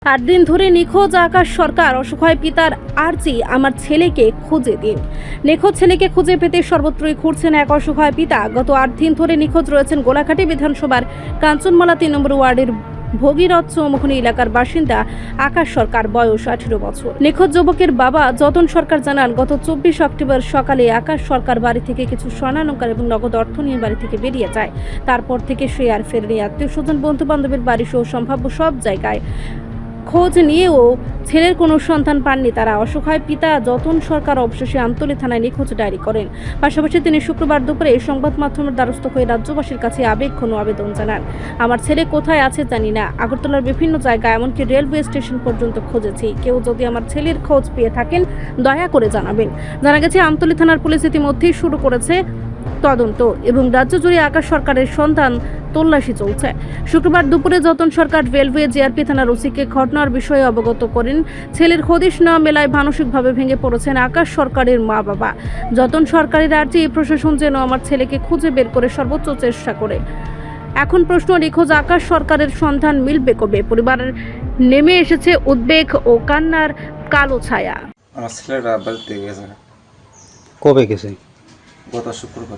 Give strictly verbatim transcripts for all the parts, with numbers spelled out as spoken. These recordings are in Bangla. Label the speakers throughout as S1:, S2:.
S1: আট দিন ধরে নিখোঁজ আকাশ সরকার। অসহায় পিতার আর্জি, আমার ছেলেকে খুঁজে দিন। নিখোঁজ ছেলেকে খুঁজে পেতে সর্বত্রই ঘুরছেন এক অসহায় পিতা। গত আট দিন ধরে নিখোঁজ রয়েছেন গোলাঘাটি বিধানসভার কাঞ্চনমালা তিন নম্বর ওয়ার্ডের ভগীরথ চৌমুখনী এলাকার বাসিন্দা আকাশ সরকার, বয়স আঠেরো বছর। নিখোঁজ যুবকের বাবা যতন সরকার জানান, গত চব্বিশ অক্টোবর সকালে আকাশ সরকার বাড়ি থেকে কিছু স্বর্ণালংকার এবং নগদ অর্থ নিয়ে বাড়ি থেকে বেরিয়ে যায়। তারপর থেকে সে আর ফেরেনি। আত্মীয় স্বজন, বন্ধু বান্ধবের বাড়ি সহ সম্ভাব্য সব জায়গায় খোঁজ নিয়েও ছেলের কোনো সন্ধান পাননি তারা। অসহায় পিতা যতন সরকার অবশেষে আমতলী থানায় নিখোঁজ ডায়েরি করেন। পাশাপাশি তিনি শুক্রবার দুপুরে সংবাদ মাধ্যমের দ্বারস্থ হয়ে রাজ্যবাসীর কাছে আবেগঘন আবেদন জানান। আমার ছেলে কোথায় আছে জানি না। আগরতলার বিভিন্ন জায়গায়, এমনকি রেলওয়ে স্টেশন পর্যন্ত খুঁজেছি। কেউ যদি আমার ছেলের খোঁজ পেয়ে থাকেন দয়া করে জানাবেন। জানা গেছে আমতলী থানার পুলিশ ইতিমধ্যেই শুরু করেছে তদন্ত এবং রাজ্য জুড়ে আকাশ সরকারের সন্ধান তল্লাশি চলছে। শুক্রবার দুপুরে যতন সরকার রেলওয়ে জিআরপি থানার ওসিকে ঘটনার বিষয়ে অবগত করেন। ছেলের হদিশ না মেলায় মানসিকভাবে ভেঙে পড়েছেন আকাশ সরকারের মা বাবা। যতন সরকারের আর্জি, প্রশাসন যেন আমার ছেলেকে খুঁজে বের করে সর্বোচ্চ চেষ্টা করে। এখন প্রশ্ন, নিখোঁজ আকাশ সরকারের সন্ধান মিলবে কবে? পরিবারের নেমে এসেছে উদ্বেগ ও কান্নার কালো ছায়া।
S2: আমার ছেলেটা বাড়িতে গেছে।
S3: কবে গেছে?
S2: গত শুক্রবার।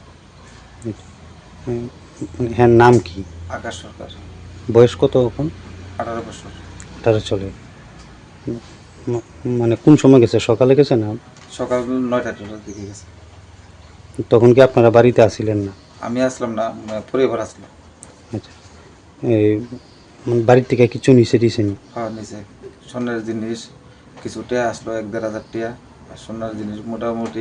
S3: হ্যাঁ, নাম কি?
S2: আকাশ সরকার।
S3: বয়স কত এখন?
S2: আঠারো বছর।
S3: আঠারো চলে। ম- মানে কোন সময় গেছে? সকালে গেছে না?
S2: সকাল নয়টা টাটার দিকে গেছে।
S3: তখন কি আপনারা বাড়িতে আসিলেন না?
S2: আমি আসলাম না, মানে পরিবার আসলাম।
S3: আচ্ছা, এই মানে বাড়ির থেকে কিছু নিচে দিয়েছেন?
S2: খাওয়ার নিচে সোনার জিনিস কিছু টিয়া আসলো, এক দেড় হাজার টিয়া। আর সোনার জিনিস মোটামুটি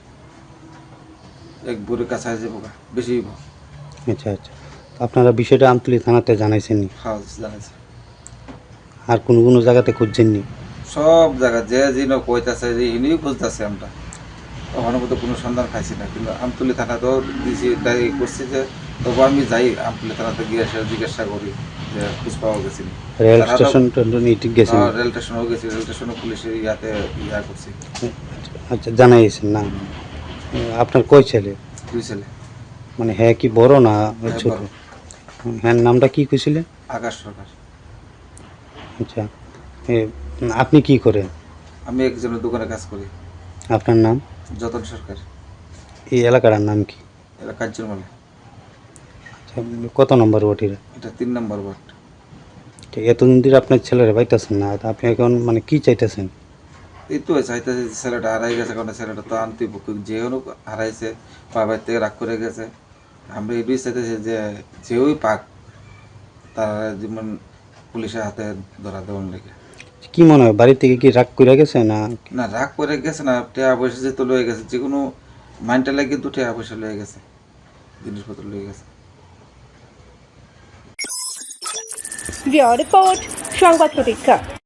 S2: এক বুড়ি কাছাকাছি পোকা বেশি।
S3: আচ্ছা আচ্ছা, আপনারা বিষয়টা আমতলী থানাতে জানাইছেন নি?
S2: খাওয়া জানাইছে।
S3: আর কোনো কোনো জায়গাতে খুঁজছেননি?
S2: সব জায়গা যে যিনি কইতাছে যে ইনিও খুঁজতেছে, আমরা ওখানে মতো কোনো সন্ধান খাইছি না। কিন্তু আমতলী থানাতেও দিয়েছি, তাই করছি যে তবু আমি যাই আমতলী থানাতে গিয়ে এসে জিজ্ঞাসা করি যে খোঁজ পাওয়া গেছে নি।
S3: রেল স্টেশন ঠিক গেছেন?
S2: রেল স্টেশনেও গেছি, রেল স্টেশনে পুলিশের ইয়াতে ইয়া করছি।
S3: আচ্ছা, জানাইছেন না? আপনার কয় ছেলে?
S2: দুই ছেলে।
S3: মানে হ্যাঁ কি বড় না
S2: হ্যাঁ,
S3: ছোট?
S2: বড়।
S3: হ্যাঁ, নামটা কি কইছিলেন?
S2: আকাশ সরকার।
S3: আচ্ছা, এ, আপনি কি করেন?
S2: আমি একজনের দোকানে কাজ করি।
S3: আপনার নাম?
S2: যতন সরকার।
S3: এই এলাকার নাম কি?
S2: এটা কাঞ্চনমালা।
S3: আচ্ছা, কত নম্বর ওয়ার্ড এটা?
S2: এটা তিন নম্বর ওয়ার্ড।
S3: ঠিক, এতদিন ধরে আপনার ছেলেরা পাইতেছেন না, তা আপনি এখন মানে কি চাইতেছেন?
S2: এই তো চাইতেছে যে ছেলেটা হারাই গেছে, কারণ ছেলেটা তো আনতে যে হোক হারাইছে, বাবার থেকে রাগ করে গেছে। আমরা এটাই চাইতেছি যে যেই পাক তারা যেমন পুলিশের হাতে ধরা দেওয়ার লেগে।
S3: কি মনে হয়, বাড়ি থেকে কি রাগ করে গেছে না?
S2: না, রাগ করে গেছে না, টাকা পয়সা যেহেতু লয়ে গেছে, যে কোনো মাইন্ডটা লাগে দু টাকা পয়সা লয়ে গেছে, জিনিসপত্র লয়ে গেছে।
S1: রিপোর্ট সংবাদ প্রতীক্ষা।